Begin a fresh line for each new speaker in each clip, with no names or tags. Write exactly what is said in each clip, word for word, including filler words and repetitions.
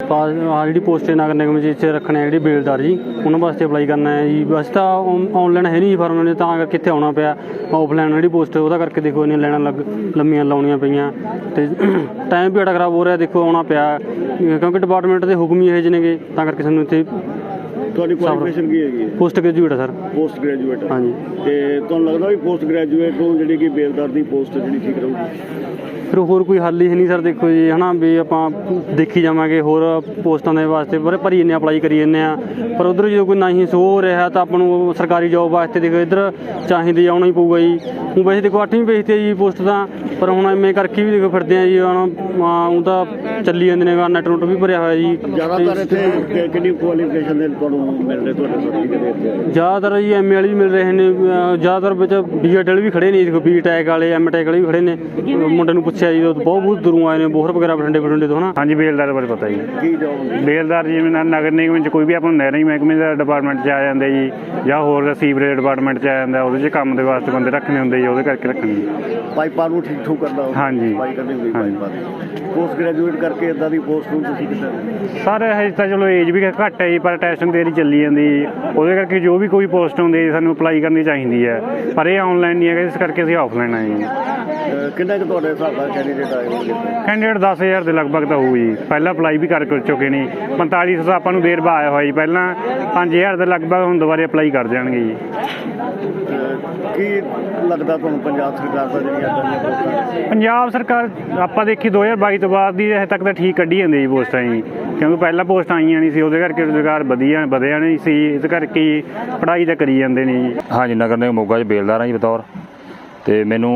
ਪਾਸ ਆਹ ਜਿਹੜੀ ਪੋਸਟ ਨਗਰ ਨਿਗਮ 'ਚ ਰੱਖਣੇ ਜਿਹੜੀ ਬੇਲਦਾਰ ਜੀ ਉਹਨਾਂ ਵਾਸਤੇ ਅਪਲਾਈ ਕਰਨਾ ਹੈ ਜੀ। ਵੈਸੇ ਤਾਂ ਔਨਲਾਈਨ ਹੈ ਨਹੀਂ ਫਾਰਮ ਨੇ, ਤਾਂ ਕਰਕੇ ਇੱਥੇ ਆਉਣਾ ਪਿਆ। ਆਫਲਾਈਨ ਜਿਹੜੀ ਪੋਸਟ ਉਹਦਾ ਕਰਕੇ ਦੇਖੋ ਇੰਨੀਆਂ ਲਾਈਨਾਂ ਲੱਗ ਲੰਮੀਆਂ ਲਾਉਣੀਆਂ ਪਈਆਂ ਅਤੇ ਟਾਈਮ ਵੀ ਬੜਾ ਖਰਾਬ ਹੋ ਰਿਹਾ। ਦੇਖੋ ਆਉਣਾ ਪਿਆ ਕਿਉਂਕਿ ਡਿਪਾਰਟਮੈਂਟ ਦੇ ਹੁਕਮ ਹੀ ਇਹੋ ਜਿਹੇ ਨੇਗੇ, ਤਾਂ ਕਰਕੇ ਸਾਨੂੰ ਇੱਥੇ।
ਤੁਹਾਡੀ ਕੁਆਲੀਫਿਕੇਸ਼ਨ ਕੀ ਹੈਗੀ ਹੈ?
ਪੋਸਟ ਗ੍ਰੈਜੂਏਟ ਹੈ ਸਰ।
ਪੋਸਟ ਗ੍ਰੈਜੂਏਟ
ਹਾਂਜੀ।
ਅਤੇ ਤੁਹਾਨੂੰ ਲੱਗਦਾ ਵੀ ਪੋਸਟ ਗ੍ਰੈਜੂਏਟ ਨੂੰ ਜਿਹੜੀ ਕਿ ਬੇਲਦਾਰ ਦੀ ਪੋਸਟ ਜਿਹੜੀ ਠੀਕ ਰਹੂਗੀ?
ਫਿਰ ਹੋਰ ਕੋਈ ਹੱਲ ਹੀ ਨਹੀਂ ਸਰ। ਦੇਖੋ ਜੀ ਹੈ ਨਾ ਵੀ ਆਪਾਂ ਦੇਖੀ ਜਾਵਾਂਗੇ ਹੋਰ ਪੋਸਟਾਂ ਦੇ ਵਾਸਤੇ ਪਰ ਭਰੀ ਜਾਂਦੇ ਅਪਲਾਈ ਕਰੀ ਜਾਂਦੇ ਹਾਂ, ਪਰ ਉੱਧਰ ਜਦੋਂ ਕੋਈ ਨਹੀਂ ਸੋ ਹੋ ਰਿਹਾ ਤਾਂ ਆਪਾਂ ਨੂੰ ਸਰਕਾਰੀ ਜੋਬ ਵਾਸਤੇ ਦੇਖੋ ਇੱਧਰ ਚਾਹੀਦੀ ਆਉਣਾ ਹੀ ਪਊਗਾ ਜੀ। ਹੁਣ ਵੈਸੇ ਦੇਖੋ ਅੱਠਵੀਂ ਵੇਚਦੇ ਆ ਜੀ ਪੋਸਟ ਤਾਂ, ਪਰ ਹੁਣ ਐਵੇਂ ਕਰਕੇ ਵੀ ਦੇਖੋ ਫਿਰਦੇ ਆ ਜੀ। ਹੁਣ ਉਹ ਤਾਂ ਚੱਲੀ ਜਾਂਦੇ ਨੇ, ਨੈਟ ਨੁੱਟ ਵੀ ਭਰਿਆ ਹੋਇਆ ਜੀ।
ਜ਼ਿਆਦਾਤਰ ਇੱਥੇ ਕਿੰਨੀ ਕੁਆਲੀਫਿਕੇਸ਼ਨ ਦੇ ਤੁਹਾਨੂੰ ਮਿਲ ਰਹੇ ਤੁਹਾਡੇ ਸਰਟੀਫਿਕੇਟ ਇੱਥੇ?
ਜ਼ਿਆਦਾਤਰ ਜੀ ਐਮ ਏ ਵਾਲੇ ਵੀ ਮਿਲ ਰਹੇ ਨੇ, ਜ਼ਿਆਦਾਤਰ ਵਿੱਚ ਬੀ ਐਡ ਵਾਲੇ ਵੀ ਖੜ੍ਹੇ ਨੇ, ਦੇਖੋ ਬੀ ਟੈਕ ਵਾਲੇ ਐਮ ਟੈਕ ਵਾਲੇ ਵੀ ਖੜ੍ਹੇ ਨੇ। ਮੁੰਡੇ ਨੂੰ ਪੁੱਛਿਆ ਜੀ, ਬਹੁਤ ਬਹੁਤ ਦੂਰੋਂ ਆਏ ਨੇ, ਬੋਹਰ ਵਗੈਰਾ ਬਠਿੰਡੇ ਬਠਿੰਡੇ ਤੋਂ ਨਾ।
ਹਾਂਜੀ, ਬੇਲਦਾਰ ਬਾਰੇ ਪਤਾ ਜੀ।
ਕੀ ਜੋਬ?
ਬੇਲਦਾਰ ਜਿਵੇਂ ਨਗਰ ਨਿਗਮ 'ਚ ਕੋਈ ਵੀ ਆਪਾਂ ਨੂੰ ਨਹਿਰੀ ਮਹਿਕਮੇ ਦਾ ਡਿਪਾਰਟਮੈਂਟ 'ਚ ਆ ਜਾਂਦੇ ਜੀ, ਜਾਂ ਹੋਰ ਸੀਵਰੇਜ ਡਿਪਾਰਟਮੈਂਟ 'ਚ ਆ ਜਾਂਦਾ, ਉਹਦੇ 'ਚ ਕੰਮ ਦੇ ਵਾਸਤੇ ਬੰਦੇ ਰੱਖਣੇ ਹੁੰਦੇ ਜੀ, ਉਹਦੇ ਕਰਕੇ ਰੱਖਣੇ।
ਪਾਈਪਾਂ ਨੂੰ ਠੀਕ ਠੂਕ ਕਰਨਾ?
ਹਾਂਜੀ।
ਸਫਾਈ ਕਰਨੀ ਹੁੰਦੀ ਪਾਈਪਾਂ ਦੀ। ਪੋਸਟ ਗ੍ਰੈਜੂਏਟ ਕਰਕੇ ਇੱਦਾਂ ਦੀ ਪੋਸਟ ਨੂੰ ਤੁਸੀਂ ਕਿੱਦਾਂ?
ਸਰ ਹਜੇ ਤਾਂ ਚਲੋ ਏਜ ਵੀ ਘੱਟ ਹੈ ਜੀ, ਪਰ ਟੈਸਟਿੰਗ ਤੇਰੀ ਚੱਲੀ ਜਾਂਦੀ ਜੀ, ਉਹਦੇ ਕਰਕੇ ਜੋ ਵੀ ਕੋਈ ਪੋਸਟ ਹੁੰਦੀ ਜੀ ਸਾਨੂੰ ਅਪਲਾਈ ਕਰਨੀ ਚਾਹੀਦੀ ਹੈ, ਪਰ ਇਹ ਔਨਲਾਈਨ ਨਹੀਂ ਹੈਗਾ, ਇਸ ਕਰਕੇ ਅਸੀਂ ਆਫਲਾਈਨ ਆਏ ਜੀ।
ਕਿੰਨਾ ਕੁ ਤੁਹਾਡੇ ਹਿਸਾਬ ਨਾਲ ਕੈਂਡੀਡੇਟ ਆਏ ਹੋਣਗੇ?
ਕੈਂਡੀਡੇਟ ਦਸ ਹਜ਼ਾਰ ਦੇ ਲਗਭਗ ਤਾਂ ਹੋਊ ਜੀ। ਪਹਿਲਾਂ ਅਪਲਾਈ ਵੀ ਕਰ ਚੁੱਕੇ ਨੇ, ਪੰਤਾਲੀ ਸੌ ਆਪਾਂ ਨੂੰ ਦੇਰ ਬਾਅਦ ਆਇਆ ਹੋਇਆ ਜੀ। ਪਹਿਲਾਂ ਪੰਜ ਹਜ਼ਾਰ ਦੇ ਲਗਭਗ ਹੁਣ ਦੁਬਾਰੇ ਅਪਲਾਈ ਕਰ ਜਾਣਗੇ ਜੀ।
ਕੀ ਲੱਗਦਾ ਤੁਹਾਨੂੰ ਪੰਜਾਬ ਸਰਕਾਰ ਦਾ ਜਿਹੜੀਆਂ ਇੱਦਾਂ ਦੀਆਂ ਪੋਸਟਾਂ?
ਪੰਜਾਬ ਸਰਕਾਰ ਆਪਾਂ ਦੇਖੀ ਦੋ ਹਜ਼ਾਰ ਬਾਈ ਤੋਂ ਬਾਅਦ ਦੀ ਹਜੇ ਤੱਕ ਤਾਂ ਠੀਕ ਕੱਢੀ ਜਾਂਦੀ ਜੀ ਪੋਸਟਾਂ ਜੀ, ਕਿਉਂਕਿ ਪਹਿਲਾਂ ਪੋਸਟਾਂ ਆਈਆਂ ਨਹੀਂ ਸੀ, ਉਹਦੇ ਕਰਕੇ ਰੁਜ਼ਗਾਰ ਵਧੀਆ ਵਧਿਆ ਨਹੀਂ ਸੀ, ਇਸ ਕਰਕੇ ਪੜ੍ਹਾਈ ਤਾਂ ਕਰੀ ਜਾਂਦੇ ਨੇ ਜੀ।
ਹਾਂਜੀ, ਨਗਰ ਨਿਗਮ ਮੋਗਾ 'ਚ ਬੇਲਦਾਰ ਹਾਂ ਜੀ ਬਤੌਰ, ਅਤੇ ਮੈਨੂੰ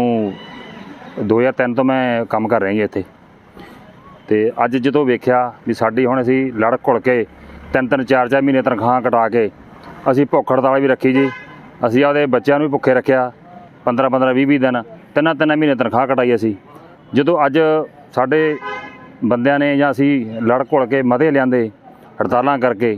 ਦੋ ਹਜ਼ਾਰ ਤਿੰਨ ਤੋਂ ਮੈਂ ਕੰਮ ਕਰ ਰਿਹਾ ਜੀ ਇੱਥੇ। ਅਤੇ ਅੱਜ ਜਦੋਂ ਵੇਖਿਆ ਵੀ ਸਾਡੀ ਹੁਣ ਅਸੀਂ ਲੜ ਘੁਲ ਕੇ ਤਿੰਨ ਤਿੰਨ ਚਾਰ ਚਾਰ ਮਹੀਨੇ ਤਨਖਾਹ ਕਟਾ ਕੇ ਅਸੀਂ ਭੁੱਖ ਹੜਤਾਲ ਵੀ ਰੱਖੀ ਜੀ। ਅਸੀਂ ਆਪਦੇ ਬੱਚਿਆਂ ਨੂੰ ਵੀ ਭੁੱਖੇ ਰੱਖਿਆ ਪੰਦਰਾਂ ਪੰਦਰਾਂ ਵੀਹ ਵੀਹ ਦਿਨ, ਤਿੰਨਾਂ ਤਿੰਨਾਂ ਮਹੀਨੇ ਤਨਖਾਹ ਕਟਾਈ ਅਸੀਂ। ਜਦੋਂ ਅੱਜ ਸਾਡੇ ਬੰਦਿਆਂ ਨੇ ਜਾਂ ਅਸੀਂ ਲੜ ਘੁਲ ਕੇ ਮਤੇ ਲਿਆਂਦੇ ਹੜਤਾਲਾਂ ਕਰਕੇ,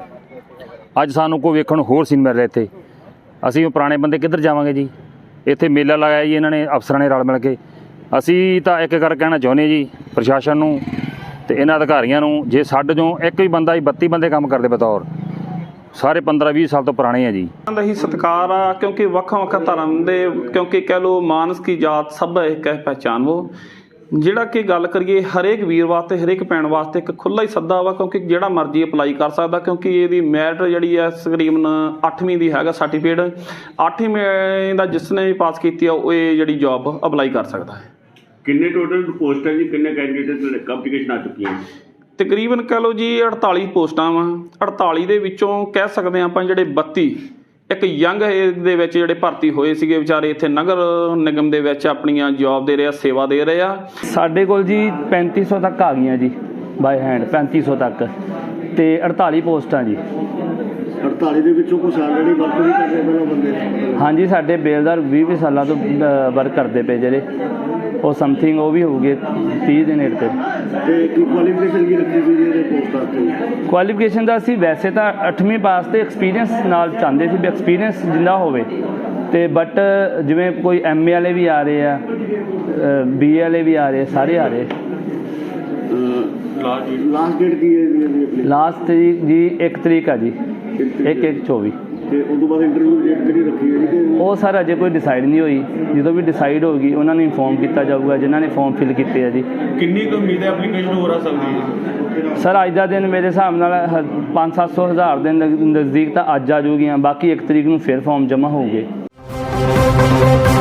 ਅੱਜ ਸਾਨੂੰ ਕੋਈ ਵੇਖਣ ਨੂੰ ਹੋਰ ਸੀਨ ਮਿਲ ਰਿਹਾ ਇੱਥੇ। ਅਸੀਂ ਉਹ ਪੁਰਾਣੇ ਬੰਦੇ ਕਿੱਧਰ ਜਾਵਾਂਗੇ ਜੀ? ਇੱਥੇ ਮੇਲਾ ਲਗਾਇਆ ਜੀ ਇਹਨਾਂ ਨੇ, ਅਫਸਰਾਂ ਨੇ ਰਲ ਮਿਲ ਕੇ। ਅਸੀਂ ਤਾਂ ਇੱਕ ਕਰ ਕਹਿਣਾ ਚਾਹੁੰਦੇ ਜੀ ਪ੍ਰਸ਼ਾਸਨ ਨੂੰ ਅਤੇ ਇਹਨਾਂ ਅਧਿਕਾਰੀਆਂ ਨੂੰ, ਜੇ ਸਾਡੇ ਚੋਂ ਇੱਕ ਵੀ ਬੰਦਾ ਹੀ ਬੱਤੀ ਬੰਦੇ ਕੰਮ ਕਰਦੇ ਬਤੌਰ, ਸਾਰੇ ਪੰਦਰਾਂ ਵੀਹ ਸਾਲ ਤੋਂ ਪੁਰਾਣੇ ਆ ਜੀ।
ਦਾ ਹੀ ਸਤਿਕਾਰ ਆ, ਕਿਉਂਕਿ ਵੱਖੋ ਵੱਖ ਧਰਮ ਦੇ, ਕਿਉਂਕਿ ਕਹਿ ਲਓ ਮਾਨਸ ਕੀ ਜਾਤ ਸਭ ਇੱਕ ਹੈ ਪਹਿਚਾਨਵੋ। ਜਿਹੜਾ ਕਿ ਗੱਲ ਕਰੀਏ ਹਰੇਕ ਵੀਰ ਵਾਸਤੇ, ਹਰੇਕ ਭੈਣ ਵਾਸਤੇ ਇੱਕ ਖੁੱਲ੍ਹਾ ਹੀ ਸੱਦਾ ਵਾ, ਕਿਉਂਕਿ ਜਿਹੜਾ ਮਰਜ਼ੀ ਅਪਲਾਈ ਕਰ ਸਕਦਾ, ਕਿਉਂਕਿ ਇਹਦੀ ਮੈਰਿਟ ਜਿਹੜੀ ਹੈ ਤਕਰੀਬਨ ਅੱਠਵੀਂ ਦੀ ਹੈਗਾ ਸਰਟੀਫਿਕੇਟ। ਅੱਠਵੀਂ ਦਾ ਜਿਸ ਨੇ ਵੀ ਪਾਸ ਕੀਤੀ ਆ ਉਹ ਇਹ ਜਿਹੜੀ ਜੋਬ ਅਪਲਾਈ ਕਰ ਸਕਦਾ ਹੈ।
ਕਿੰਨੇ ਟੋਟਲ ਪੋਸਟਾਂ ਜੀ, ਕਿੰਨੇ ਕੈਂਡੀਡੇਟ ਕੰਪਲੀਕੇਸ਼ਨ ਆ ਚੁੱਕੀਆਂ?
ਤਕਰੀਬਨ ਕਹਿ ਲਓ ਜੀ ਅੜਤਾਲੀ ਪੋਸਟਾਂ ਵਾ। ਅੜਤਾਲੀ ਦੇ ਵਿੱਚੋਂ ਕਹਿ ਸਕਦੇ ਹਾਂ ਆਪਾਂ ਜਿਹੜੇ ਬੱਤੀ ਇੱਕ ਯੰਗ ਏਜ ਦੇ ਵਿੱਚ ਜਿਹੜੇ ਭਰਤੀ ਹੋਏ ਸੀਗੇ ਵਿਚਾਰੇ ਇੱਥੇ ਨਗਰ ਨਿਗਮ ਦੇ ਵਿੱਚ ਆਪਣੀਆਂ ਜੋਬ ਦੇ ਰਹੇ ਆ, ਸੇਵਾ ਦੇ ਰਹੇ ਆ।
ਸਾਡੇ ਕੋਲ ਜੀ ਪੈਂਤੀ ਸੌ ਤੱਕ ਆ ਗਈਆਂ ਜੀ ਬਾਈ ਹੈਂਡ, ਪੈਂਤੀ ਸੌ ਤੱਕ, ਅਤੇ ਅੜਤਾਲੀ ਪੋਸਟਾਂ ਜੀ।
ਅੜਤਾਲੀ ਦੇ ਵਿੱਚੋਂ ਕੁਛ ਆਲਰੇਡੀ ਵਰਕ ਵੀ ਕਰ ਰਹੇ ਪਹਿਲਾਂ ਬੰਦੇ?
ਹਾਂਜੀ, ਸਾਡੇ ਬੇਲਦਾਰ ਵੀਹ ਵੀਹ ਸਾਲਾਂ ਤੋਂ ਵਰਕ ਕਰਦੇ ਪਏ ਜਿਹੜੇ, ਉਹ ਸਮਥਿੰਗ ਉਹ ਵੀ ਹੋਊਗੇ ਤੀਹ ਦੇ ਨੇੜੇ 'ਤੇ।
ਅਤੇ ਕੀ ਕੁਆਲੀਫਿਕੇਸ਼ਨ ਕੀ ਰੱਖੀ ਸੀ ਜੀ ਇਹਦੇ ਪੋਸਟਾਂ 'ਤੇ?
ਕੁਆਲੀਫਿਕੇਸ਼ਨ ਦਾ ਅਸੀਂ ਵੈਸੇ ਤਾਂ ਅੱਠਵੀਂ ਪਾਸ 'ਤੇ ਐਕਸਪੀਰੀਅੰਸ ਨਾਲ ਚਾਹੁੰਦੇ ਸੀ ਵੀ ਐਕਸਪੀਰੀਅੰਸ ਜਿੰਨਾ ਹੋਵੇ, ਅਤੇ ਬਟ ਜਿਵੇਂ ਕੋਈ ਐਮ ਏ ਵਾਲੇ ਵੀ ਆ ਰਹੇ ਆ, ਬੀ ਏ ਵਾਲੇ ਵੀ ਆ ਰਹੇ, ਸਾਰੇ ਆ ਰਹੇ।
ਲਾਸਟ ਡੇਟ ਕੀ ਹੈ ਜੀ?
ਲਾਸਟ ਤਰੀਕ ਜੀ ਇੱਕ ਤਰੀਕ ਆ ਜੀ, ਇੱਕ ਇੱਕ ਚੌਵੀ।
ਅਤੇ ਉਸ ਤੋਂ ਬਾਅਦ ਇੰਟਰਵਿਊ ਡੇਟ ਕਿਹੜੀ ਰੱਖੀ ਹੈ ਜੀ?
ਉਹ ਸਰ ਅਜੇ ਕੋਈ ਡਿਸਾਈਡ ਨਹੀਂ ਹੋਈ, ਜਦੋਂ ਵੀ ਡਿਸਾਈਡ ਹੋਊਗੀ ਉਹਨਾਂ ਨੂੰ ਇਨਫੋਰਮ ਕੀਤਾ ਜਾਊਗਾ ਜਿਨ੍ਹਾਂ ਨੇ ਫੋਰਮ ਫਿਲ ਕੀਤੇ ਆ ਜੀ।
ਕਿੰਨੀ ਕੁ ਉਮੀਦ ਹੈ ਐਪਲੀਕੇਸ਼ਨ ਹੋ ਆ ਸਕਦੀ ਹੈ?
ਸਰ ਅੱਜ ਦਾ ਦਿਨ ਮੇਰੇ ਹਿਸਾਬ ਨਾਲ ਪੰਜ ਸੱਤ ਸੌ ਹਜ਼ਾਰ ਦੇ ਨਜ਼ਦੀਕ ਤਾਂ ਅੱਜ ਆ ਜਾਊਗੀਆਂ, ਬਾਕੀ ਇੱਕ ਤਰੀਕ ਨੂੰ ਫਿਰ ਫੋਰਮ ਜਮ੍ਹਾਂ ਹੋਊਗੇ।